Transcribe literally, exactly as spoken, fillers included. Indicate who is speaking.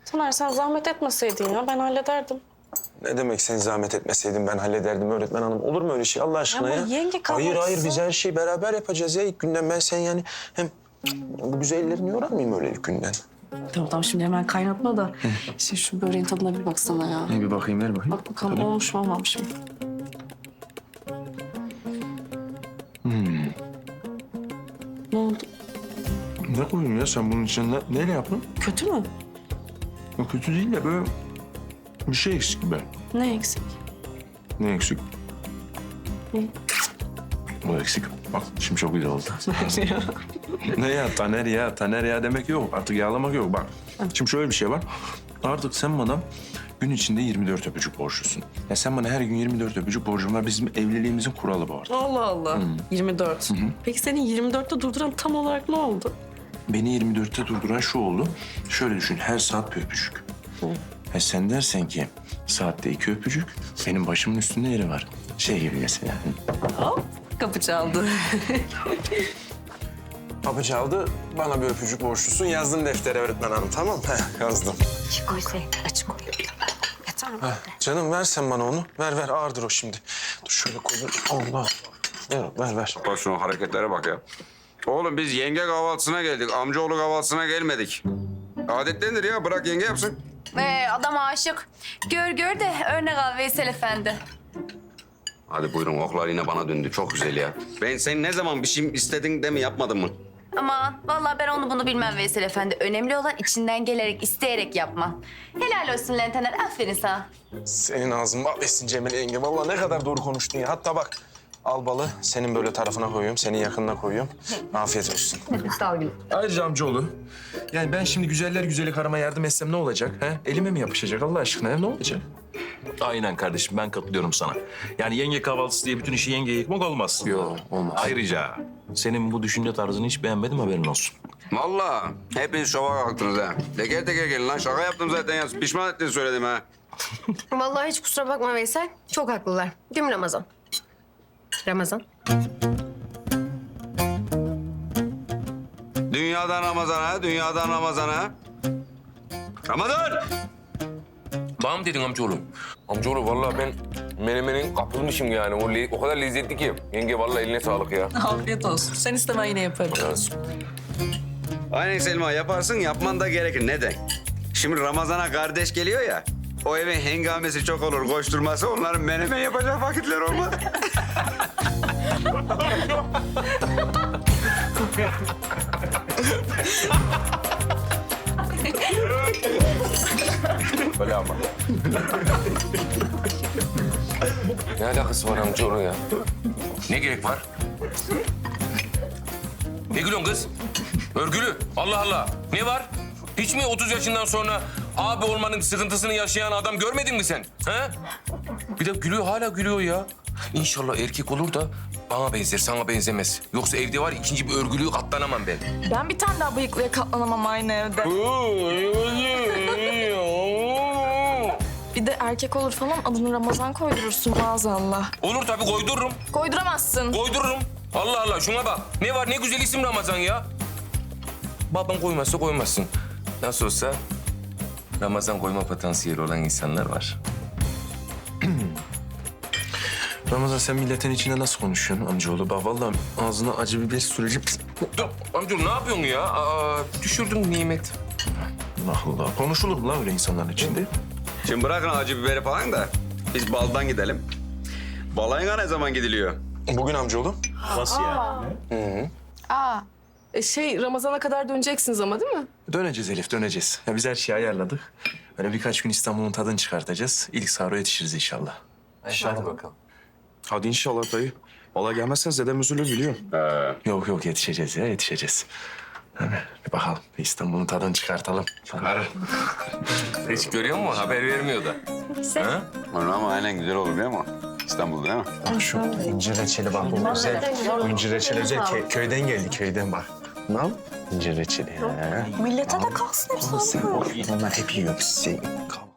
Speaker 1: Taner sen zahmet etmeseydin ya ben hallederdim.
Speaker 2: Ne demek sen zahmet etmeseydin ben hallederdim öğretmen hanım. Olur mu öyle şey Allah aşkına
Speaker 1: Ama
Speaker 2: ya?
Speaker 1: yenge
Speaker 2: Hayır hayır
Speaker 1: kahvaltısı.
Speaker 2: biz her şeyi beraber yapacağız ya ilk günden. Ben sen yani hem bu güzel ellerini yorarmayayım öyle ilk günden.
Speaker 1: Tamam tamam şimdi hemen kaynatma da. Şimdi şu böreğin tadına bir baksana ya.
Speaker 2: Ne bir bakayım ver bakayım.
Speaker 1: Bak bakalım olmuş mu olmamış mı?
Speaker 2: Hmm.
Speaker 1: Ne oldu?
Speaker 2: Ne koyayım ya sen bunun içine ne, neyle yaptın?
Speaker 1: Kötü mü?
Speaker 2: O kötü değil de böyle bir şey eksik gibi.
Speaker 1: Ne eksik?
Speaker 2: Ne eksik?
Speaker 1: Ne?
Speaker 2: O eksik. Bak şimdi çok güzel oldu. Ne ya Taner ya Taner ya demek yok. Artık yağlamak yok bak. Şimdi şöyle bir şey var. Artık sen bana gün içinde yirmi dört öpücük borçlusun. Ya sen bana her gün yirmi dört öpücük borcun var. Bizim evliliğimizin kuralı bu artık.
Speaker 1: Allah Allah. yirmi dört. Peki senin yirmi dörtte durduran tam olarak ne oldu?
Speaker 2: Beni yirmi dörtte durduran şu oldu. Şöyle düşün her saat bir öpücük. E sen dersen ki saatte iki öpücük benim başımın üstünde yeri var. Şey gibi mesela.
Speaker 1: Hop kapı çaldı.
Speaker 2: Kapı çaldı. Bana bir öpücük borçlusun. Yazdım deftere öğretmen hanım tamam mı? Heh, yazdım.
Speaker 3: Koy koy, açık koy. Yeter mi?
Speaker 2: Heh, canım ver sen bana onu. Ver ver ağırdır o şimdi. Dur şöyle koyayım. Allah. Ver ver ver.
Speaker 4: Bak şuna hareketlere bak ya. Oğlum biz yenge kahvaltısına geldik. Amcaoğlu kahvaltısına gelmedik. Adetlendir ya. Bırak yenge yapsın.
Speaker 3: Ee, adam aşık. Gör gör de örnek al Veysel Efendi.
Speaker 4: Hadi buyurun oklar yine bana döndü. Çok güzel ya. Ben sen ne zaman bir şey istedin de mi yapmadın mı?
Speaker 3: Aman vallahi ben onu bunu bilmem Veysel Efendi. Önemli olan içinden gelerek, isteyerek yapman. Helal olsun lan Taner, aferin sana.
Speaker 2: Senin ağzın bal etsin Cemile yenge. Vallahi ne kadar doğru konuştun ya. Hatta bak al balı senin böyle tarafına koyuyorum. Senin yakınına koyuyorum. Afiyet olsun.
Speaker 3: Sağ ol gülüm.
Speaker 2: Ayrıca amcaoğlu. Yani ben şimdi güzeller güzeli karıma yardım etsem ne olacak? He? Elime mi yapışacak Allah aşkına? Ya? Ne olacak?
Speaker 5: Aynen kardeşim ben katılıyorum sana. Yani yenge kahvaltısı diye bütün işi yengeye yıkmak olmaz.
Speaker 2: Yok olmaz.
Speaker 5: Ayrıca senin bu düşünce tarzını hiç beğenmedim haberin olsun.
Speaker 4: Vallahi hepiniz şova kalktınız ha. Teker teker gelin lan. Şaka yaptım zaten ya. Pişman ettin söyledim ha.
Speaker 6: Vallahi hiç kusura bakma Veysel. Çok haklılar. Değil mi Ramazan? Ramazan.
Speaker 4: Dünyadan Ramazan'a, dünyadan Ramazan'a. Ramazan!
Speaker 7: Bana mı dedin amcaoğlu? Amcaoğlu vallahi ben menemenin kapılmışım yani. O, le- o kadar lezzetli ki. Yenge vallahi eline sağlık ya.
Speaker 1: Afiyet olsun. Sen isteme yine yaparım.
Speaker 4: Aynen Selma yaparsın yapman da gerekir. Neden? Şimdi Ramazan'a kardeş geliyor ya. O evin hengamesi çok olur. Koşturması onların menemen yapacak vakitler olmaz.
Speaker 7: Öyle ama. Ne alakası var amcaoğlu ya?
Speaker 5: Ne gerek var? Ne gülüyorsun kız? Örgülü. Allah Allah. Ne var? Hiç mi otuz yaşından sonra abi olmanın sıkıntısını yaşayan adam görmedin mi sen? He? Bir de gülüyor, hala gülüyor ya. İnşallah erkek olur da bana benzer, sana benzemez. Yoksa evde var ya, ikinci bir örgülüğü katlanamam ben.
Speaker 1: Ben bir tane daha bıyıklıya katlanamam aynı evde. Bir de erkek olur falan adını Ramazan koydurursun maazallah.
Speaker 5: Olur tabii koydururum.
Speaker 1: Koyduramazsın.
Speaker 5: Koydururum. Allah Allah şuna bak. Ne var ne güzel isim Ramazan ya. Baban koymazsa koymazsın. Nasıl olsa Ramazan koyma potansiyeli olan insanlar var.
Speaker 2: Ramazan sen milletin içinde nasıl konuşuyorsun amcaoğlu? Bak vallahi ağzına acı biber süreci...
Speaker 5: Dur amcaoğlu ne yapıyorsun ya? Aa, düşürdün nimet.
Speaker 2: Allah Allah. Konuşulur mu lan öyle insanların içinde?
Speaker 4: Şimdi bırakın acı biberi falan da biz baldan gidelim. Balayına ne zaman gidiliyor?
Speaker 2: Bugün amcaoğlu.
Speaker 5: Nasıl ya?
Speaker 1: Aa. E şey Ramazan'a kadar döneceksiniz ama değil mi?
Speaker 2: Döneceğiz Elif, döneceğiz. Ya biz her şeyi ayarladık. Böyle birkaç gün İstanbul'un tadını çıkartacağız. İlk sahura yetişiriz inşallah.
Speaker 7: Hadi bakalım.
Speaker 2: Hadi inşallah dayı. Valla gelmezsen dedem üzülür biliyorum.
Speaker 4: Ee,
Speaker 2: Yok yok yetişeceğiz ya, yetişeceğiz. Hadi bir bakalım. Bir İstanbul'un tadını çıkartalım.
Speaker 5: Hiç görüyor musun? Haber vermiyor da. Ha?
Speaker 4: onu ama aynen güzel olur değil mi? İstanbul'da değil mi?
Speaker 2: Bak şu incir reçeli bak bu özel. Bu incir reçeli özel kö- köyden geldi köyden bak. Ne yap? İncir reçeli. Ha.
Speaker 1: Millete de kalsın hep
Speaker 2: Sen o onlar hep yiyor. Sen